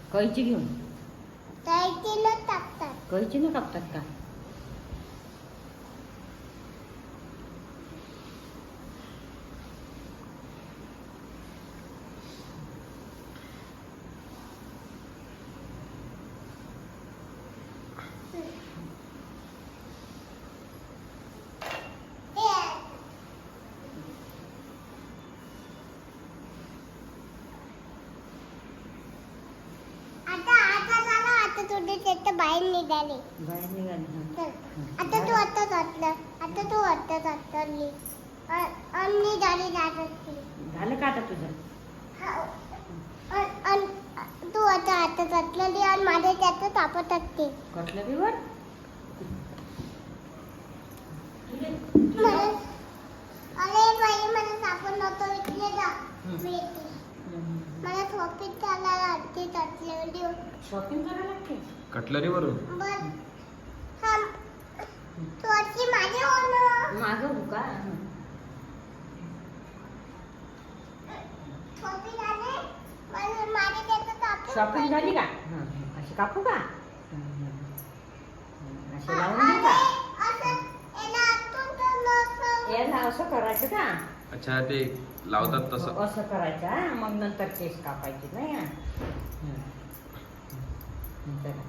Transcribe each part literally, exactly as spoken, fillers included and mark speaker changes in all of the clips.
Speaker 1: कैची घेऊन
Speaker 2: कैचीनं कापतात.
Speaker 1: कैचीनं कापतात का?
Speaker 2: बाहेर निघाले.
Speaker 1: बाहेर निघाली.
Speaker 2: आता तू आता घातलं. आता तू आता घातली आणि झाली जात असते.
Speaker 1: झालं का आता तुझं?
Speaker 2: तू आता आता घातलेली आणि माझ्या त्याचं तापत असते.
Speaker 1: कटलरीवर
Speaker 2: अरे बाई मला सापड नव्हतं इकडे जा. मला शॉपिंग करायला लागते. कटलरी
Speaker 1: शॉपिंग करायला लागते
Speaker 3: कटलरीवरून.
Speaker 2: बर हा तू अशी माझे होणं
Speaker 1: माझं हो का?
Speaker 2: शॉपिंग आले मला माझे त्याचं तापत.
Speaker 1: शॉपिंग झाली का? हां अशी कापू का? अशी लावून देऊ का? याला असं करायचं का?
Speaker 3: अच्छा ते लावतात तसं.
Speaker 1: असं करायचं हा? मग नंतर केस कापायचे नाही हा? चला.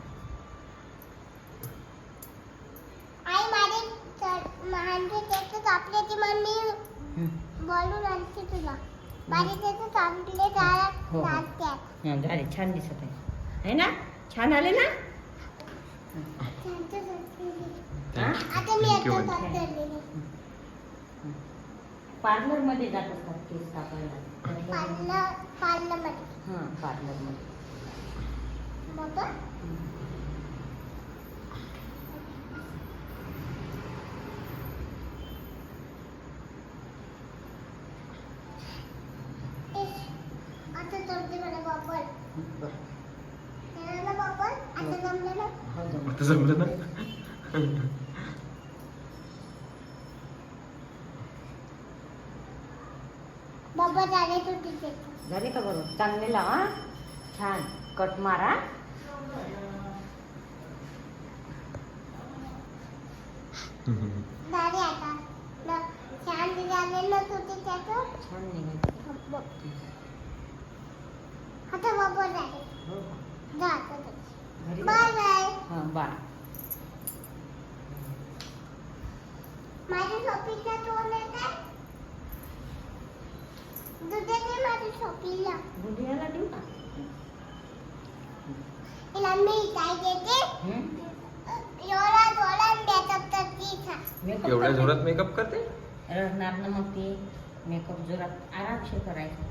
Speaker 2: आई माझे माझे त्याचं कापल्याची मम्मी बोलून आणते तुला. माझे त्याचं कापले त्याला
Speaker 1: हो, हो.
Speaker 2: लागतात.
Speaker 1: हां झाले छान दिसत आहे है ना? छान आले ना? हा?
Speaker 2: आता मी
Speaker 3: Thank you,
Speaker 2: आता
Speaker 3: आंटी.
Speaker 2: कापलेली.
Speaker 1: पार्लर मध्ये जात असतात केस कापायला.
Speaker 2: पार्लर पार्लरमध्ये
Speaker 1: हां पार्लर मध्ये.
Speaker 2: बाबा आता जमते मला बाबा. ना बाबा आता जमलं ना.
Speaker 1: हो जमलं.
Speaker 3: आता जमलं ना.
Speaker 2: बाबा झाले तू तिथे.
Speaker 1: झाले का बरोबर? चांगले लावा छान कट मारा.
Speaker 2: झाले आता ना छान झाले ना तू त्याचं.
Speaker 1: छान निघाले.
Speaker 2: आता बाबा झाले.
Speaker 1: हो का?
Speaker 2: जा आता घरी.
Speaker 1: घरी
Speaker 2: बाय बाय.
Speaker 1: हां बाय.
Speaker 2: माझ्या शॉपिंगला तोंड येते. दुधाने माझ्या शॉपिंगला.
Speaker 1: बुधियाला देऊ का?
Speaker 2: तिला मी काय देते
Speaker 1: हं?
Speaker 2: एवढा जोरात मेकअप करते का.
Speaker 1: मेकअप
Speaker 3: एवढ्या
Speaker 1: करते?
Speaker 3: जोरात मेकअप करते.
Speaker 1: रडणार ना मग ती. मेकअप जोरात आरामशीर करायचा.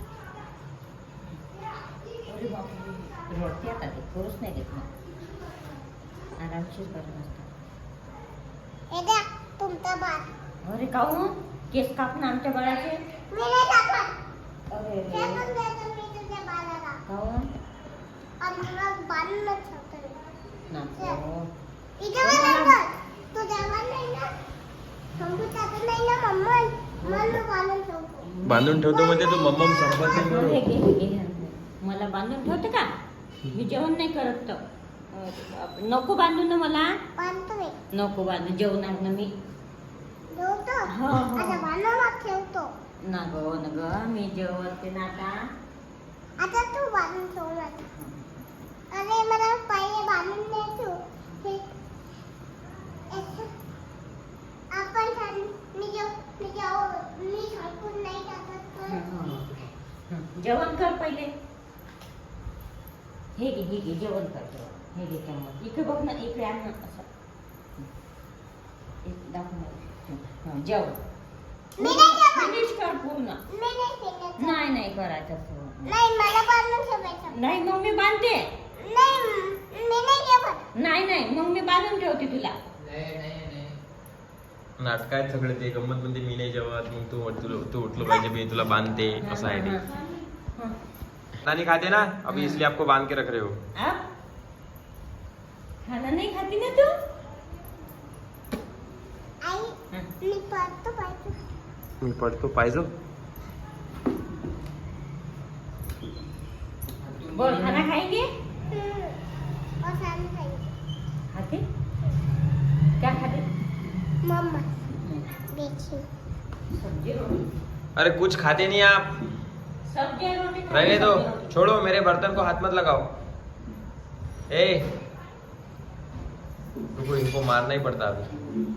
Speaker 1: अरे बापरे. रडते आता ती करूच नाही देत मग. आरामशीर करत असतात.
Speaker 2: हे द्या तुमचा बाळ.
Speaker 1: अरे काहून केस कापून आमच्या बाळाचे?
Speaker 2: मी नाही टाकत.
Speaker 1: अरे रे
Speaker 2: फेकून देतो मी तुझ्या बाळाला.
Speaker 1: काहून?
Speaker 2: आणि तुला बांधूनच ठेवतो मी.
Speaker 1: नको.
Speaker 2: इथे मला टाकत. तू जेवण नाही ना. शंभू टाकत नाही ना मम्मा. मला बांधून ठेवतो.
Speaker 3: बांधून ठेवतो म्हणजे तू मम्मम संपत
Speaker 1: हे
Speaker 3: नाही.
Speaker 1: घे, हे घे. मला बांधून ठेवते का? मी जेवण नाही करत तर. अरे बापरे. नको बांधू ना मला.
Speaker 2: बांधतो मी.
Speaker 1: नको बांधू जेवणार ना मी.
Speaker 2: ठेवतो.
Speaker 1: हो, हो.
Speaker 2: आता बांधूनच ठेवतो.
Speaker 1: ना गो ना ग मी जेवते ना आता.
Speaker 2: आता तू बांधून ठेव माझं. अरे मला पाय बांधून दे तू. हे असं. आपण छान मी जेव मी जेव मी झटकून नाही टाकत तर.
Speaker 1: जेवण कर पहिले. हे घे हे घे जेवण कर जेवण. हे घे चम्मच. इकडे बघ ना इकडे आण ना असं. एक दाखव ना. हं, जेवण.
Speaker 2: मी नाही जेवत.
Speaker 1: फिनिश कर पूर्ण.
Speaker 2: मी नाही फेकत.
Speaker 1: नाही नाही करायचं असं.
Speaker 2: नाही मला बांधून ठेवायचं.
Speaker 1: नाही मग मी बांधते.
Speaker 2: नाही मी नाही जेवत.
Speaker 1: नाही नाही मग मी बांधून ठेवते तुला.
Speaker 3: नाटक आहेत सगळे ते. गंमत म्हणजे मी नाही जेवत मग तू तू- तू उठलो पाहिजे मी तुला बांधते असं आहे ते. नानी खाते ना अभी इसलिए आपको बांध के रख रहे हो.
Speaker 1: आप खाना नहीं खाती ना तू?
Speaker 2: आई
Speaker 1: हं.
Speaker 2: मी पडतो पाहिजे.
Speaker 3: मी पडतो पाहिजे.
Speaker 1: बोल खाना खाएंगे?
Speaker 2: हं. खाना खाएंगे
Speaker 1: खाते क्या खाते?
Speaker 2: मम्मा देखिए
Speaker 1: सब्जी रोटी।
Speaker 3: अरे कुछ खाते नहीं आप,
Speaker 1: सब्जी रोटी खाते,
Speaker 3: रहने दो,
Speaker 1: सब्जी रोटी।
Speaker 3: छोड़ो, मेरे बर्तन को हाथ मत लगाओ। ए रुको, इनको मारना ही पड़ता अभी।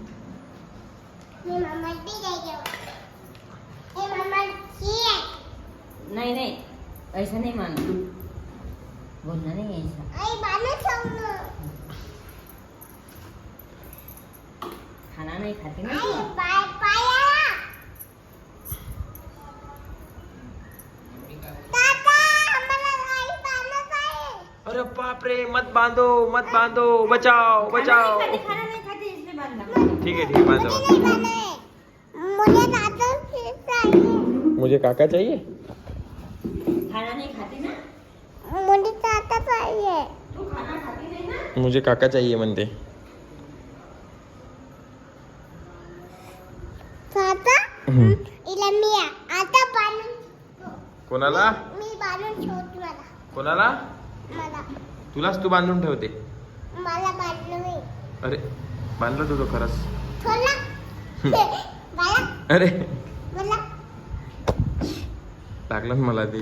Speaker 2: ये मम्मा भी देंगे ये मम्मा की है
Speaker 1: नहीं नहीं ऐसा नहीं मानना, बोलना नहीं है ऐसा।
Speaker 2: आई बालू खाऊंगा
Speaker 1: खाना नहीं खाती ना
Speaker 2: आई
Speaker 1: तू?
Speaker 2: बाय पाया ताता हमारा आई बालू खाए
Speaker 3: अरे बाप रे, मत बांधो मत बांधो, बचाओ बचाओ।
Speaker 1: खाना नहीं खाती, खाना नहीं खाती इसलिए बांधना।
Speaker 3: ठीक है ठीक है, बांधो
Speaker 2: मुझे नहीं बालू है मुझे ताता चाहिए
Speaker 3: मुझे काका चाहिए।
Speaker 1: खाना नहीं खाती ना
Speaker 2: मुझे ताता चाहिए
Speaker 1: तू, खाना खाती नहीं ना।
Speaker 3: मुझे काका चाहिए म्हणते।
Speaker 2: ताता
Speaker 3: हम्म.
Speaker 2: इला मी आता बालू
Speaker 3: कोणाला
Speaker 2: मी बालून ठेवते मला
Speaker 3: कोणाला?
Speaker 2: मला
Speaker 3: तुलाच तू बांधून ठेवते।
Speaker 2: मला बालू मी
Speaker 3: अरे बांधलं तू तो खरंच।
Speaker 2: थोडा मला
Speaker 3: अरे
Speaker 2: मला
Speaker 3: लागलं ना मला ते।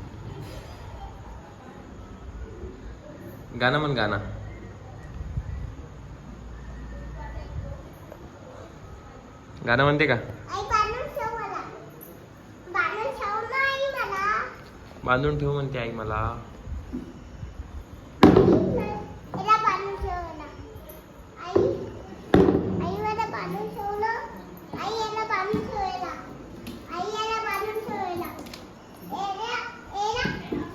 Speaker 3: गाणं म्हण, गाणं। गाणं म्हणते का?
Speaker 2: आई बालून ठेव मला बालून ठेव ना आई मला
Speaker 3: बांधून ठेव म्हणते आई मला।
Speaker 2: इला बालून ठेव ना आई आई मला बालून ठेव ना आई याला बालून ठेवायला आई याला बालून ठेवायला एला एला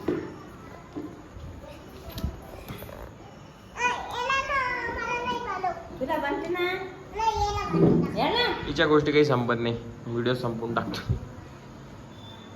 Speaker 2: एला ना मला नाही बालू
Speaker 1: तुला बांधते ना
Speaker 2: नाही एला बालू
Speaker 1: या ना.
Speaker 3: हिच्या गोष्टी काही संपत नाही, व्हिडिओ संपून टाकतो।